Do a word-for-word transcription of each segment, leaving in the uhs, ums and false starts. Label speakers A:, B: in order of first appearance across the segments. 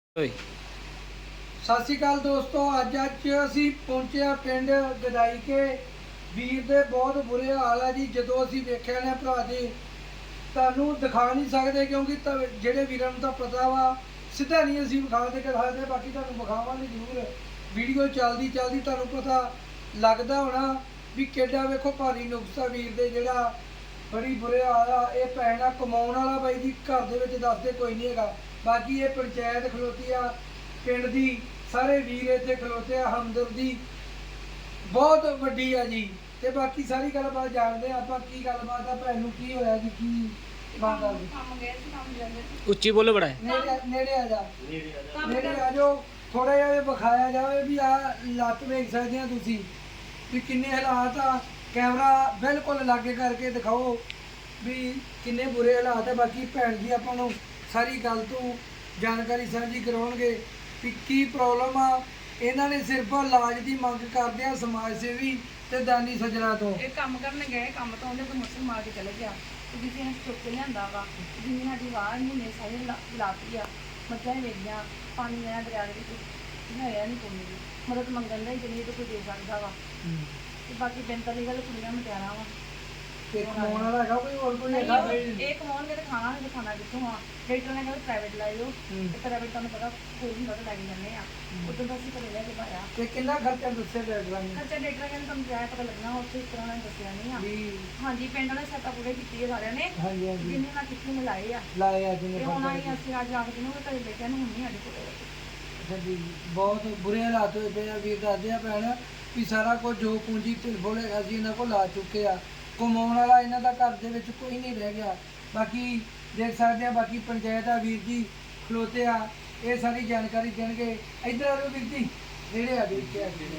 A: ਸਤਿ ਸ਼੍ਰੀ ਅਕਾਲ ਦੋਸਤੋ, ਅੱਜ ਅੱਜ ਅਸੀਂ ਪਹੁੰਚੇ ਆ ਪਿੰਡ ਗਦਾਈ ਕੇ। ਵੀਰ ਦੇ ਬਹੁਤ ਬੁਰੇ ਹਾਲ ਆ ਜੀ। ਜਦੋਂ ਅਸੀਂ ਵੇਖਿਆ ਨੇ ਭਰਾ ਦੇ, ਤੁਹਾਨੂੰ ਦਿਖਾ ਨਹੀਂ ਸਕਦੇ ਕਿਉਂਕਿ ਜਿਹੜੇ ਵੀਰਾਂ ਨੂੰ ਤਾਂ ਪਤਾ ਵਾ, ਸਿੱਧਾ ਨਹੀਂ ਅਸੀਂ ਵਿਖਾ ਦੇ ਕੇ ਸਕਦੇ। ਬਾਕੀ ਤੁਹਾਨੂੰ ਵਿਖਾਵਾਂਗੇ ਜ਼ਰੂਰ, ਵੀਡੀਓ ਚੱਲਦੀ ਚੱਲਦੀ ਤੁਹਾਨੂੰ ਪਤਾ ਲੱਗਦਾ ਹੋਣਾ ਵੀ ਕਿੱਡਾ ਵੇਖੋ ਭਾਰੀ ਨੁਕਸਾ ਵੀਰ ਦੇ, ਜਿਹੜਾ ਬੜੀ ਬੁਰੇ ਹਾਲ ਆ। ਇਹ ਭੈਣ ਆ ਕਮਾਉਣ ਵਾਲਾ ਬਾਈ ਜੀ, ਘਰ ਦੇ ਵਿੱਚ ਦੱਸਦੇ ਕੋਈ ਨਹੀਂ ਹੈਗਾ। ਬਾਕੀ ਇਹ ਪੰਚਾਇਤ ਖਲੋਤੀ ਆ ਪਿੰਡ ਦੀ, ਸਾਰੇ ਵੀਰ ਇੱਥੇ ਖਲੋਤੇ ਆ, ਹਮਦਰਦੀ ਬਹੁਤ ਵੱਡੀ ਆ ਜੀ। ਤੇ ਬਾਕੀ ਸਾਰੀ ਗੱਲਬਾਤ ਜਾਣਦੇ ਆ ਆਪਾਂ, ਕੀ ਗੱਲਬਾਤ ਆ, ਭੈਣ ਨੂੰ ਕੀ ਹੋਇਆ ਜੀ, ਕੀ ਬਾਤ ਆ ਜੀ।
B: ਉੱਚੀ ਬੋਲੋ ਬੜਾ
A: ਨੇੜੇ ਨੇੜੇ ਆ ਜਾ, ਨੇੜੇ ਆ ਜਾਓ, ਥੋੜਾ ਜਿਹਾ ਇਹ ਵਿਖਾਇਆ ਜਾਵੇ ਵੀ ਆ ਲੱਤ ਵੇਖ ਸਕਦੇ ਆ ਤੁਸੀਂ ਵੀ ਕਿੰਨੇ ਹਾਲਾਤ ਆ। ਕੈਮਰਾ ਬਿਲਕੁਲ ਲਾਗੇ ਕਰਕੇ ਦਿਖਾਓ ਵੀ ਕਿੰਨੇ ਬੁਰੇ ਹਾਲਾਤ ਆ। ਬਾਕੀ ਭੈਣ ਜੀ ਆਪਾਂ ਨੂੰ ਸਾਰੀ ਗੱਲ ਤੋਂ ਜਾਣਕਾਰੀ ਸਾਂਝੀ ਕਰਾਉਣਗੇ ਵੀ ਕੀ ਪ੍ਰੋਬਲਮ ਆ। ਇਹਨਾਂ ਨੇ ਸਿਰਫ ਇਲਾਜ ਦੀ ਮੰਗ ਕਰਦੇ ਆ ਸਮਾਜ ਸੇਵੀ ਤੇ ਦਾਨੀ ਸੱਜਣਾ ਤੋਂ।
C: ਇਹ ਕੰਮ ਕਰਨ ਗਏ, ਕੰਮ ਤੋਂ ਉਹਨੇ ਕੋਈ ਮੁਸਲ ਮਾਰ ਕੇ ਚਲੇ ਗਿਆ ਤੇ ਕਿਸੇ ਨੇ ਚੁੱਕ ਕੇ ਲਿਆਂਦਾ ਵਾ। ਜਿੰਨੀ ਸਾਡੀ ਵਾਹ ਮਹੀਨੇ ਸਾਰੇ ਲਾਤੀ ਆ, ਮੱਝਾਂ ਹੀ ਵੇਖੀਆਂ, ਪਾਣੀ ਆਇਆ ਦਰਿਆ ਦੇ ਵਿੱਚ, ਹੈ ਨਹੀਂ ਕੋਈ ਵੀ ਮਦਦ ਮੰਗਣ ਦਾ ਜਿੰਨੀ ਤੋਂ ਕੋਈ ਦੇ ਸਕਦਾ ਵਾ। ਤੇ ਬਾਕੀ ਬਿੰਤਾਂ ਦੀ ਗੱਲ ਕੁੜੀਆਂ ਮਟਿਆਰਾਂ ਵਾ।
A: ਤੇ ਕਮਾਉਣ ਵਾਲਾ ਹੈਗਾ ਕੋਈ ਹੋਰ ਕੋਈ ਹੈਗਾ?
C: ਇਹ ਕਮਾਉਣਗੇ ਤਾਂ ਖਾਣਾ ਨਹੀਂ ਖਾਣਾ ਕਿੱਥੋਂ ਆ। ਡਾਕਟਰ ਨੇ ਕਹਿੰਦਾ ਪ੍ਰਾਈਵੇਟ ਲੈ ਜਾਓ, ਤੇ ਪ੍ਰਾਈਵੇਟ ਤੁਹਾਨੂੰ ਪਤਾ ਕੋਈ ਨਹੀਂ ਪਤਾ ਲੈ ਕੇ ਜਾਂਦੇ ਆ। ਉਦੋਂ ਤਾਂ ਅਸੀਂ ਘਰੇ ਲੈ ਕੇ ਪਾਇਆ।
A: ਤੇ ਕਿੰਨਾ ਖਰਚਾ ਦੱਸਿਆ ਡਾਕਟਰਾਂ ਨੇ?
C: ਖਰਚਾ ਡਾਕਟਰ ਕਹਿੰਦੇ ਤੁਹਾਨੂੰ ਜਾਇਆ ਪਤਾ ਲੱਗਣਾ, ਉੱਥੇ ਇਸ ਤਰ੍ਹਾਂ ਨਾਲ ਦੱਸਿਆ ਨਹੀਂ ਆ। ਹਾਂਜੀ, ਪਿੰਡ ਵਾਲੇ ਸੱਤਾ ਪੂਰੇ ਕੀਤੀ ਹੈ ਸਾਰਿਆਂ ਨੇ।
A: ਹਾਂਜੀ ਹਾਂਜੀ,
C: ਜਿੰਨੇ ਨਾਲ ਕਿੱਥੇ ਮਿਲਾਏ ਆ
A: ਲਾਏ ਆ ਜਿੰਨੇ
C: ਤੇ ਹੁਣ ਆਈ ਅਸੀਂ ਅੱਜ ਆਖ ਦਿਨ ਉਹ ਘਰੇ ਬੈਠਿਆ ਨੂੰ ਹੁਣ ਨਹੀਂ ਸਾਡੇ ਕੋਲ।
A: ਅੱਛਾ ਜੀ, ਬਹੁਤ ਬੁਰੇ ਹਾਲਾਤ ਹੋਏ ਪਏ ਆ। ਵੀਰ ਦੱਸਦੇ ਆ ਭੈਣ ਵੀ ਸਾਰਾ ਕੁਝ ਜੋ ਪੂੰਜੀ ਢਿਲਬੋਲ ਹੈਗਾ ਸੀ ਇਹਨਾਂ ਕੋਲ ਲਾ ਚੁੱਕੇ ਆ। ਕਮਾਉਣ ਵਾਲਾ ਇਹਨਾਂ ਦਾ ਘਰ ਦੇ ਵਿੱਚ ਕੋਈ ਨਹੀਂ ਰਹਿ ਗਿਆ। ਬਾਕੀ ਦੇਖ ਸਕਦੇ ਆ, ਬਾਕੀ ਪੰਚਾਇਤ ਆ, ਵੀਰ ਜੀ ਖਲੋਤੇ ਆ, ਇਹ ਸਾਰੀ ਜਾਣਕਾਰੀ ਦੇਣਗੇ। ਇੱਧਰ ਆ ਜਾਓ ਵੀਰ ਜੀ, ਨੇੜੇ ਆ ਵੀਰ ਕੇ ਆ ਕੋਈ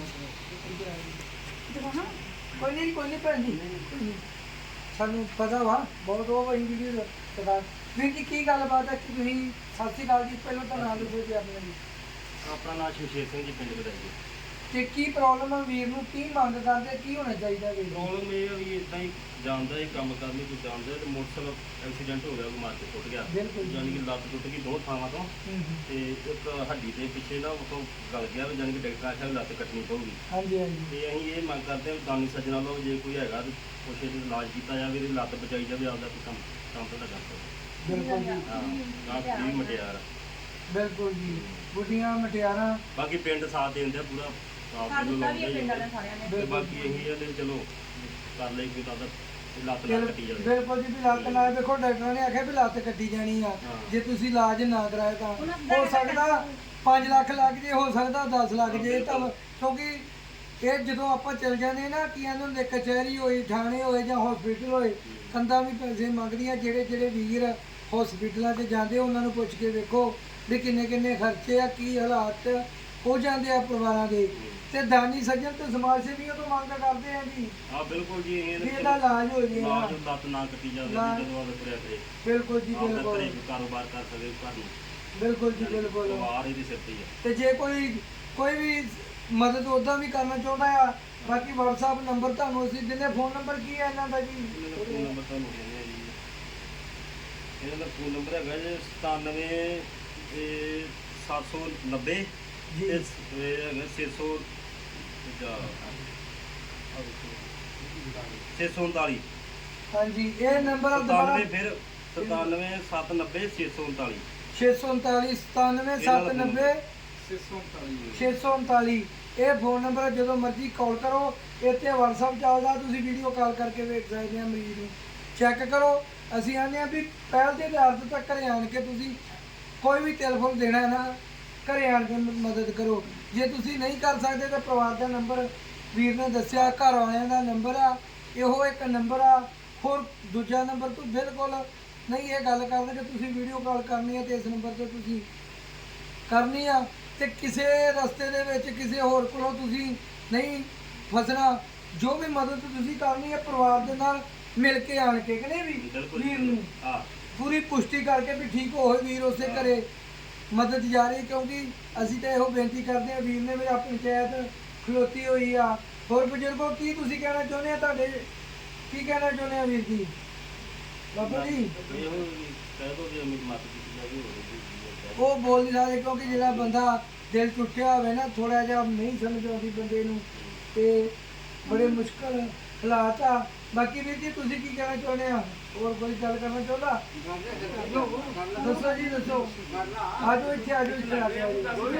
A: ਨਹੀਂ ਕੋਈ ਨਹੀਂ ਭੈਣ ਜੀ, ਸਾਨੂੰ ਪਤਾ ਵਾ ਬਹੁਤ ਉਹ ਵਹੀ ਵੀਡੀਓ ਪਤਾ। ਵੀਰ ਜੀ ਕੀ ਗੱਲਬਾਤ ਹੈ ਕਿ ਤੁਸੀਂ? ਸਤਿ ਸ਼੍ਰੀ ਅਕਾਲ ਜੀ, ਪਹਿਲਾਂ ਤਾਂ ਨਾਮ ਦੱਸੋ ਜੀ ਆਪਣਾ ਜੀ।
B: ਆਪਣਾ ਨਾਮ ਸ਼ਮਸ਼ੇਰ ਸਿੰਘ ਜੀ, ਪਿੰਡ ਗਦਾਈ।
A: ਤੇ ਕੀ ਪ੍ਰੋਬਲਮ ਆ ਵੀਰ ਨੂੰ, ਕੀ ਮੰਗ ਕਰਦੇ, ਕੀ ਹੋਣਾ ਚਾਹੀਦਾ ਵੀਰ ਨੂੰ?
B: ਪ੍ਰੋਬਲਮ ਇਹ ਆ ਵੀ ਇਦਾਂ ਹੀ ਜਾਂਦਾ ਇਹ ਕੰਮ ਕਰਨੀ ਕੋਈ ਜਾਣਦਾ ਤੇ ਮੋਟਰਸਾਈਕਲ ਐਕਸੀਡੈਂਟ ਹੋ ਗਿਆ, ਉਹ ਮਾਰ ਕੇ ਟੁੱਟ ਗਿਆ।
A: ਬਿਲਕੁਲ
B: ਯਾਨੀ ਕਿ ਲੱਤ ਟੁੱਟ ਗਈ ਦੋ ਥਾਵਾਂ ਤੋਂ, ਤੇ ਇੱਕ ਹੱਡੀ ਦੇ ਪਿੱਛੇ ਨਾ ਉਹ ਗਲ ਗਿਆ, ਯਾਨੀ ਕਿ ਡਾਕਟਰ ਆਖਿਆ ਲੱਤ ਕੱਟਣੀ ਪਊਗੀ।
A: ਹਾਂਜੀ ਹਾਂਜੀ,
B: ਤੇ ਅਸੀਂ ਇਹ ਮੰਗ ਕਰਦੇ ਹਾਂ ਦਾਨੀ ਸੱਜਣਾ ਲਓ, ਜੇ ਕੋਈ ਹੈਗਾ ਤੇ ਕੁਛ ਇਹਦਾ ਇਲਾਜ ਕੀਤਾ ਜਾਵੇ, ਇਹਦੀ ਲੱਤ ਬਚਾਈ ਜਾਵੇ, ਆਪਦਾ ਕੋਈ ਕੰਮ ਕੰਮ ਤਾਂ ਕਰ ਸਕਦਾ।
A: ਬਿਲਕੁਲ ਜੀ,
B: ਹਾਂ ਗਾਂ ਵੀ ਮਟਿਆਰ
A: ਬਿਲਕੁਲ ਜੀ, ਬੁੱਢੀਆਂ ਮਟਿਆਰਾਂ।
B: ਬਾਕੀ ਪਿੰਡ ਸਾਥ ਦੇ ਦਿੰਦੇ ਆ ਪੂਰਾ।
C: ਸਾਡਾ ਵੀ ਇਹ ਪਿੰਡ ਵਾਲਿਆਂ ਸਾਰਿਆਂ ਨੇ
B: ਤੇ ਬਾਕੀ ਇਹੀ ਆ ਤੇ ਚਲੋ ਕਰ ਲਈ ਕੋਈ ਤਾਂ ਲੱਤ ਨਾ ਕੱਟੀ ਜਾਵੇ।
A: ਬਿਲਕੁਲ ਜੀ, ਵੀ ਲੱਤ ਨਾਲ ਦੇਖੋ ਡਾਕਟਰਾਂ ਨੇ ਆਖਿਆ ਵੀ ਲੱਤ ਕੱਟੀ ਜਾਣੀ ਆ। ਜੇ ਤੁਸੀਂ ਇਲਾਜ ਨਾ ਕਰਾਇਆ ਤਾਂ ਹੋ ਸਕਦਾ ਪੰਜ ਲੱਖ ਲੱਗ ਜੇ, ਹੋ ਸਕਦਾ ਦਸ ਲੱਖ ਜੇ। ਤਾਂ ਕਿਉਂਕਿ ਇਹ ਜਦੋਂ ਆਪਾਂ ਚਲ ਜਾਂਦੇ ਨਾ, ਕੀ ਕਹਿੰਦੇ ਹੁੰਦੇ, ਕਚਹਿਰੀ ਹੋਈ, ਥਾਣੇ ਹੋਏ ਜਾਂ ਹਸਪੀਟਲ ਹੋਏ, ਕੰਧਾਂ ਵੀ ਪੈਸੇ ਮੰਗਦੀਆਂ। ਜਿਹੜੇ ਜਿਹੜੇ ਵੀਰ ਹਸਪੀਟਲਾਂ 'ਚ ਜਾਂਦੇ ਉਹਨਾਂ ਨੂੰ ਪੁੱਛ ਕੇ ਵੇਖੋ ਵੀ ਕਿੰਨੇ ਕਿੰਨੇ ਖਰਚੇ ਆ, ਕੀ ਹਾਲਾਤ ਹੋ ਜਾਂਦੇ ਆ ਪਰਿਵਾਰਾਂ ਦੇ। ਤੇ ਦਾਨੀ ਸੱਜਣ ਤੇ ਸਮਾਜ ਸੇਵੀਆਂ ਤੋਂ ਮੰਗ ਕਰਦੇ ਆ ਜੀ।
B: ਹਾਂ ਬਿਲਕੁਲ ਜੀ, ਇਹ
A: ਇਹਦਾ ਇਲਾਜ ਹੋ ਜੇ,
B: ਇਲਾਜ ਲੱਤ ਨਾ ਕੱਟੀ ਜਾਵੇ, ਜਦੋਂ ਆਵੇ ਤੁਰਿਆ ਫਿਰੇ।
A: ਬਿਲਕੁਲ ਜੀ,
B: ਆਪਦਾ
A: ਬਿਲਕੁਲ
B: ਘਰੇ ਕਾਰੋਬਾਰ ਕਰ ਸਕੇ ਘਰ ਨੂੰ।
A: ਬਿਲਕੁਲ ਜੀ, ਬਿਲਕੁਲ।
B: ਪਰਿਵਾਰ ਇਹਦੀ ਸਿਰ ਤੇ ਹੀ ਆ।
A: ਤੇ ਜੇ ਕੋਈ ਕੋਈ ਵੀ ਮਦਦ ਉਦਾਂ ਵੀ ਕਰਨਾ ਚਾਹੁੰਦਾ ਆ, ਬਾਕੀ WhatsApp ਨੰਬਰ ਤੁਹਾਨੂੰ ਅਸੀਂ ਦਿੰਦੇ। ਫੋਨ ਨੰਬਰ ਕੀ ਹੈ ਇਹਨਾਂ ਦਾ ਜੀ?
B: ਫੋਨ ਨੰਬਰ ਤੁਹਾਨੂੰ ਦਿੰਦੇ ਆ ਜੀ। ਇਹਨਾਂ ਦਾ ਫੋਨ ਨੰਬਰ ਹੈਗਾ ਜੀ ਸਤਾਨਵੇਂ ਸੱਤ ਸੌ ਨੱਬੇ
A: ਜੀ,
B: ਤੇ ਇਹ ਹੈਗਾ ਛੇ ਸੌ ਛੇ ਸੌ ਉਨਤਾਲੀ।
A: ਹਾਂਜੀ, ਇਹ ਨੰਬਰ ਦੁਬਾਰਾ
B: ਸਤਾਨਵੇਂ ਫਿਰ ਸਤਾਨਵੇਂ ਸੱਤ ਨੱਬੇ ਛੇ ਸੌ ਉਨਤਾਲੀ।
A: ਛੇ ਸੌ ਉਨਤਾਲੀ ਸਤਾਨਵੇਂ ਸੱਤ ਨੱਬੇ ਛੇ ਸੌ ਉਨਤਾਲੀ। ਇਹ ਫੋਨ ਨੰਬਰ ਜਦੋਂ ਮਰਜ਼ੀ ਕਾਲ ਕਰੋ। ਇੱਥੇ WhatsApp ਚੱਲਦਾ, ਤੁਸੀਂ ਵੀਡੀਓ ਕਾਲ ਕਰਕੇ ਵੇਖ ਸਕਦੇ ਆ, ਮਰੀਜ਼ ਨੂੰ ਚੈੱਕ ਕਰੋ। ਅਸੀਂ ਆਉਂਦੇ ਹਾਂ ਵੀ ਪਹਿਲ ਦੇ ਆਧਾਰ ਤੇ ਤੱਕ ਘਰੇ ਆਣ ਕੇ ਤੁਸੀਂ ਕੋਈ ਵੀ ਟੈਲੀਫੋਨ ਦੇਣਾ ਨਾ, ਘਰੇ ਆਣ ਕੇ ਮਦਦ ਕਰੋ। ਜੇ ਤੁਸੀਂ ਨਹੀਂ ਕਰ ਸਕਦੇ ਤਾਂ ਪਰਿਵਾਰ ਦਾ ਨੰਬਰ ਵੀਰ ਨੇ ਦੱਸਿਆ, ਘਰ ਵਾਲਿਆਂ ਦਾ ਨੰਬਰ ਆ, ਇਹੋ ਇੱਕ ਨੰਬਰ ਆ। ਹੋਰ ਦੂਜਾ ਨੰਬਰ ਤੋਂ ਬਿਲਕੁਲ ਨਹੀਂ ਇਹ ਗੱਲ ਕਰਦੇ ਕਿ ਤੁਸੀਂ ਵੀਡੀਓ ਕਾਲ ਕਰਨੀ ਹੈ ਤੇ ਇਸ ਨੰਬਰ ਤੇ ਤੁਸੀਂ ਕਰਨੀ ਆ। ਤੇ ਕਿਸੇ ਰਸਤੇ ਦੇ ਵਿੱਚ ਕਿਸੇ ਹੋਰ ਕੋਲੋਂ ਤੁਸੀਂ ਨਹੀਂ ਫਸਣਾ। ਜੋ ਵੀ ਮਦਦ ਤੁਸੀਂ ਕਰਨੀ ਹੈ ਪਰਿਵਾਰ ਦੇ ਨਾਲ ਮਿਲ ਕੇ ਆਣ ਕੇ, ਕਹਿੰਦੇ ਵੀ ਵੀਰ ਨੂੰ ਪੂਰੀ ਪੁਸ਼ਟੀ ਕਰਕੇ ਵੀ ਠੀਕ ਹੋਏ ਵੀਰ ਉਸੇ ਘਰੇ ਮਦਦ ਜਾਰੀ। ਕਿਉਂਕਿ ਅਸੀਂ ਤਾਂ ਇਹੋ ਬੇਨਤੀ ਕਰਦੇ ਹਾਂ, ਵੀਰ ਨੇ ਵੀ ਆਪਣੀ ਪੰਚਾਇਤ ਖਲੋਤੀ ਹੋਈ ਆ। ਹੋਰ ਬਜ਼ੁਰਗੋ ਕੀ ਤੁਸੀਂ ਕਹਿਣਾ ਚਾਹੁੰਦੇ ਆ? ਤੁਹਾਡੇ ਕੀ ਕਹਿਣਾ ਚਾਹੁੰਦੇ ਆ ਵੀਰ ਜੀ? ਬਾਬਾ ਜੀ
B: ਕਹਿ ਦੋ ਜੀ ਅਮਿਤ ਮਾਤਾ ਜੀ
A: ਉਹ ਬੋਲ ਨਹੀਂ ਸਕਦੇ, ਕਿਉਂਕਿ ਜਿਹੜਾ ਬੰਦਾ ਦਿਲ ਟੁੱਟਿਆ ਹੋਵੇ ਨਾ, ਥੋੜਾ ਜਿਹਾ ਨਹੀਂ ਸਮਝ ਆਉਂਦੀ ਬੰਦੇ ਨੂੰ, ਤੇ ਬੜੇ ਮੁਸ਼ਕਲ ਹਾਲਾਤ ਆ। ਬਾਕੀ ਵੀਰ ਜੀ ਤੁਸੀਂ ਕੀ ਕਹਿਣਾ ਚਾਹੁੰਦੇ ਆ, ਹੋਰ ਕੋਈ ਗੱਲ ਕਰਨਾ ਚਾਹੁੰਦਾ? ਦੱਸੋ ਜੀ ਦੱਸੋ। ਆਜੋ ਇੱਥੇ ਆਜੋ ਇੱਥੇ ਆ ਕੇ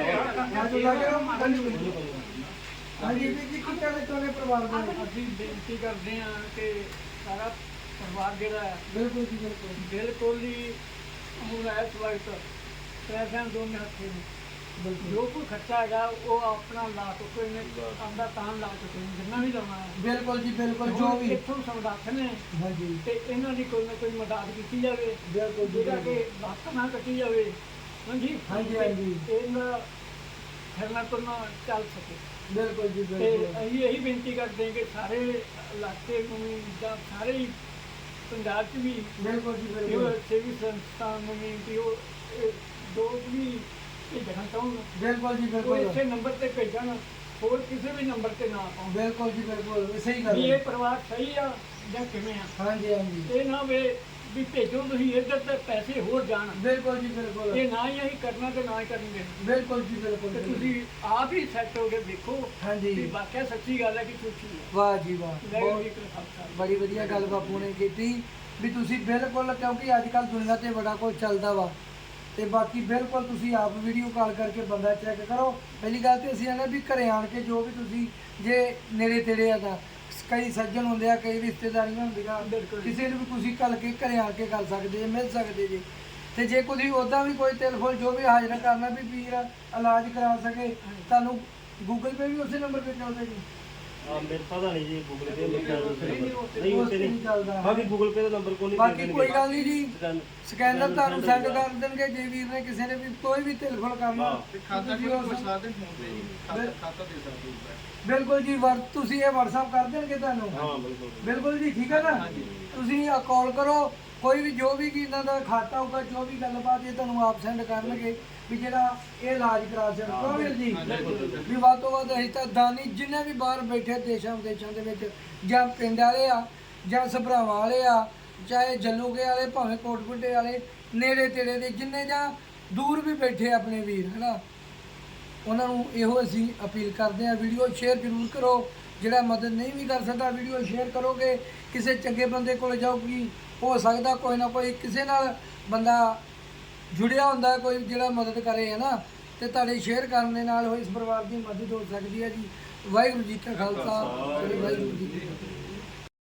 A: ਆਜੋ ਲੱਗੇ ਰਹੋ। ਹਾਂਜੀ ਵੀਰ ਜੀ ਕੀ ਕਹਿਣਾ ਚਾਹੁੰਦੇ ਪਰਿਵਾਰ ਬਾਰੇ?
D: ਅਸੀਂ ਬੇਨਤੀ ਕਰਦੇ ਹਾਂ ਕਿ ਸਾਰਾ ਪਰਿਵਾਰ ਜਿਹੜਾ ਹੈ
A: ਬਿਲਕੁਲ ਜੀ ਬਿਲਕੁਲ
D: ਬਿਲਕੁਲ ਹੀ ਹੁਣ ਇਸ ਵਕਤ ਪੈਸਿਆਂ ਦੋਨੇ ਹੱਥੇ ਨੇ।
A: ਬਿਲਕੁਲ
D: ਜੋ ਕੋਈ ਖਰਚਾ ਹੈਗਾ ਉਹ ਆਪਣਾ ਲਾ ਚੁੱਕੇ ਨੇ, ਆਂਦਾ ਤਾਂ ਲਾ ਚੁੱਕੇ ਨੇ ਜਿੰਨਾ ਵੀ ਲਾਉਣਾ ਹੈ।
A: ਬਿਲਕੁਲ ਜੀ ਬਿਲਕੁਲ ਜੋ ਵੀ।
D: ਇੱਥੋਂ ਸਮਰੱਥ ਨੇ
A: ਹਾਂਜੀ
D: ਤੇ ਇਹਨਾਂ ਦੀ ਕੋਈ ਨਾ ਕੋਈ ਮਦਦ ਕੀਤੀ ਜਾਵੇ,
A: ਬਿਲਕੁਲ ਜੀ
D: ਜਿਹੜਾ ਕਿ ਲੱਤ ਨਾ ਕੱਟੀ ਜਾਵੇ। ਹਾਂਜੀ
A: ਹਾਂਜੀ ਹਾਂਜੀ
D: ਇਹਨਾਂ ਫਿਰਨਾ ਤੁਰਨਾ ਚੱਲ ਸਕੇ।
A: ਬਿਲਕੁਲ ਜੀ
D: ਤੇ
A: ਬਿਲਕੁਲ
D: ਅਸੀਂ ਇਹੀ ਬੇਨਤੀ ਕਰਦੇ ਹਾਂ ਕਿ ਸਾਰੇ ਇਲਾਕੇ ਨੂੰ ਵੀ ਜਾਂ ਸਾਰੇ ਹੀ ਪੰਜਾਬ 'ਚ ਵੀ
A: ਬਿਲਕੁਲ ਜੀ
D: ਇਹ
A: ਬਿਲਕੁਲ
D: ਸੇਵੀ ਸੰਸਥਾ ਨੂੰ ਵੀ ਕਿ ਉਹ ਇਹ ਦੋ ਵੀ ਭੇਜਣਾ ਚਾਹੁਣ
A: ਬਿਲਕੁਲ ਜੀ
D: ਉਹ
A: ਬਿਲਕੁਲ
D: ਇਸੇ ਨੰਬਰ ਤੇ ਭੇਜਣ, ਹੋਰ ਕਿਸੇ ਵੀ ਨੰਬਰ ਤੇ ਨਾ ਪਾਉਣ
A: ਬਿਲਕੁਲ ਜੀ ਬਿਲਕੁਲ ਸਹੀ ਗੱਲ
D: ਵੀ
A: ਹੈ।
D: ਇਹ ਪਰਿਵਾਰ ਸਹੀ ਆ ਜਾਂ ਕਿਵੇਂ ਆ।
A: ਹਾਂਜੀ ਹਾਂਜੀ
D: ਇਹ ਨਾ ਵੇ ਵੀ ਭੇਜੋ ਤੁਸੀਂ ਇੱਧਰ ਤੇ ਪੈਸੇ ਹੋਰ ਜਾਣ,
A: ਬਿਲਕੁਲ ਜੀ ਬਿਲਕੁਲ
D: ਇਹ ਨਾ ਹੀ ਅਸੀਂ ਕਰਨਾ ਤੇ ਨਾ ਹੀ ਕਰਨਗੇ।
A: ਬਿਲਕੁਲ ਜੀ ਬਿਲਕੁਲ
D: ਤੇ ਤੁਸੀਂ ਆਪ ਹੀ ਸੈੱਟ ਹੋ ਕੇ ਦੇਖੋ
A: ਹਾਂਜੀ
D: ਵੀ ਵਾਕਿਆ ਸੱਚੀ ਗੱਲ ਹੈ ਕਿ ਝੂਠੀ ਹੈ।
A: ਵਾਹ ਜੀ ਵਾਹ
D: ਵਾਹਿਗੁਰੂ
A: ਬਹੁਤ
D: ਜੀ ਕਾ ਖਾਲਸਾ।
A: ਬੜੀ ਵਧੀਆ ਗੱਲ ਬਾਪੂ ਨੇ ਕੀਤੀ ਵੀ ਤੁਸੀਂ ਬਿਲਕੁਲ, ਕਿਉਂਕਿ ਅੱਜ ਕੱਲ ਦੁਨੀਆ ਤੇ ਬੜਾ ਕੁਝ ਚੱਲਦਾ ਵਾ, ਤੇ ਬਾਕੀ ਬਿਲਕੁਲ ਤੁਸੀਂ ਆਪ ਵੀਡੀਓ ਕਾਲ ਕਰਕੇ ਬੰਦਾ ਚੈੱਕ ਕਰੋ। ਪਹਿਲੀ ਗੱਲ ਤੇ ਅਸੀਂ ਆਨੇ ਵੀ ਘਰੇ ਆਣ ਕੇ ਜੋ ਵੀ ਤੁਸੀਂ ਜੇ ਨੇੜੇ ਤੇੜੇ ਆ ਤਾਂ ਕਈ ਸੱਜਣ ਹੁੰਦੇ ਆ, ਕਈ ਰਿਸ਼ਤੇਦਾਰੀਆਂ ਹੁੰਦੀਆਂ,
D: ਬਿਲਕੁਲ।
A: ਕਿਸੇ ਨੂੰ ਵੀ ਤੁਸੀਂ ਕੱਲ ਕੇ ਘਰੇ ਆ ਕੇ ਕਰ ਸਕਦੇ ਜੇ, ਮਿਲ ਸਕਦੇ ਜੇ। ਤੇ ਜੇ ਕੋਈ ਉੱਦਾਂ ਵੀ ਕੋਈ ਟੈਲੀਫੋਨ ਜੋ ਵੀ ਹਾਜ਼ਰ ਕਰਨਾ ਵੀ ਵੀਰ ਇਲਾਜ ਕਰਾ ਸਕੇ, ਤੁਹਾਨੂੰ ਗੂਗਲ ਪੇ ਵੀ ਉਸੇ ਨੰਬਰ ਤੇ ਚੱਲਦਾ ਜੀ?
B: ਆ ਮੇਰੇ ਪਤਾ ਨਹੀਂ ਜੀ ਗੂਗਲ ਪੇ ਲਿਖਿਆ ਨਹੀਂ
A: ਉਸ
B: ਉੱਤੇ
A: ਤੇ ਨਹੀਂ
B: ਨਹੀਂ।
A: ਚੱਲਦਾ।
B: ਬਾਕੀ ਗੂਗਲ ਪੇ ਦਾ ਨੰਬਰ ਕੋਈ ਨਹੀਂ
A: ਬਾਕੀ ਕੋਈ ਗੱਲ ਨਹੀਂ ਜੀ,
B: ਸਕੈਨ-
A: ਸਕੈਨਰ ਤੁਹਾਨੂੰ ਸੈਂਡ ਕਰ ਦੇਣਗੇ। ਜੇ ਵੀਰ ਨੇ ਕਿਸੇ ਨੇ ਵੀ ਕੋਈ ਵੀ ਟੈਲੀਫੋਨ ਕਰਨਾ
B: ਹਾਂ।
E: ਤੇ ਖਾਤਾ
A: ਤੁਸੀਂ
E: ਵੀ
A: ਉਸ-
E: ਪੁੱਛ ਸਕਦੇ ਫੋਨ ਤੇ ਜੀ, ਖਾਤਾ ਖਾਤਾ ਦੇ ਸਕਦੇ ਹੋ।
A: ਬਿਲਕੁਲ ਜੀ, ਵਰ ਤੁਸੀਂ ਇਹ WhatsApp ਕਰ ਦੇਣਗੇ ਤੁਹਾਨੂੰ?
B: ਹਾਂ ਬਿਲਕੁਲ
A: ਬਿਲਕੁਲ ਜੀ, ਠੀਕ ਹੈ ਨਾ। ਤੁਸੀਂ ਆ ਕਾਲ ਕਰੋ, ਕੋਈ ਵੀ ਜੋ ਵੀ ਕੀ ਇਹਨਾਂ ਦਾ ਖਾਤਾ ਹੋਊਗਾ, ਜੋ ਵੀ ਗੱਲਬਾਤ ਇਹ ਤੁਹਾਨੂੰ ਆਪ ਸੈਂਡ ਕਰਨਗੇ ਵੀ ਜਿਹੜਾ ਇਹ ਇਲਾਜ ਕਰਾ ਸਕਦਾ। ਕਿਉਂ ਵੀਰ ਜੀ? ਵੀ ਵੱਧ ਤੋਂ ਵੱਧ ਅਸੀਂ ਤਾਂ ਦਾਨੀ ਜਿੰਨੇ ਵੀ ਬਾਹਰ ਬੈਠੇ ਦੇਸ਼ਾਂ ਵਿਦੇਸ਼ਾਂ ਦੇ ਵਿੱਚ, ਜਾਂ ਪਿੰਡ ਵਾਲੇ ਆ ਜਾਂ ਸਭਰਾਵਾਂ ਵਾਲੇ ਆ, ਚਾਹੇ ਜੱਲੂਕੇ ਵਾਲੇ, ਭਾਵੇਂ ਕੋਟਪੁੱਟੇ ਵਾਲੇ, ਨੇੜੇ ਤੇੜੇ ਦੇ ਜਿੰਨੇ ਜਾਂ ਦੂਰ ਵੀ ਬੈਠੇ ਆਪਣੇ ਵੀਰ ਹੈ ਨਾ, ਉਹਨਾਂ ਨੂੰ ਇਹੋ ਅਸੀਂ ਅਪੀਲ ਕਰਦੇ ਹਾਂ, ਵੀਡੀਓ ਸ਼ੇਅਰ ਜ਼ਰੂਰ ਕਰੋ। ਜਿਹੜਾ ਮਦਦ ਨਹੀਂ ਵੀ ਕਰ ਸਕਦਾ, ਵੀਡੀਓ ਸ਼ੇਅਰ ਕਰੋਗੇ, ਕਿਸੇ ਚੰਗੇ ਬੰਦੇ ਕੋਲ ਜਾਊਗੀ, ਹੋ ਸਕਦਾ ਕੋਈ ਨਾ ਕੋਈ ਕਿਸੇ ਨਾਲ ਬੰਦਾ ਜੁੜਿਆ ਹੁੰਦਾ ਕੋਈ ਜਿਹੜਾ ਮਦਦ ਕਰੇ ਹੈ ਨਾ, ਤੇ ਤੁਹਾਡੇ ਸ਼ੇਅਰ ਕਰਨ ਦੇ ਨਾਲ ਉਹ ਇਸ ਪਰਿਵਾਰ ਦੀ ਮਦਦ ਹੋ ਸਕਦੀ ਹੈ ਜੀ। ਵਾਹਿਗੁਰੂ ਜੀ ਕਾ ਖਾਲਸਾ, ਵਾਹਿਗੁਰੂ ਜੀ ਕੀ ਫਤਿਹ।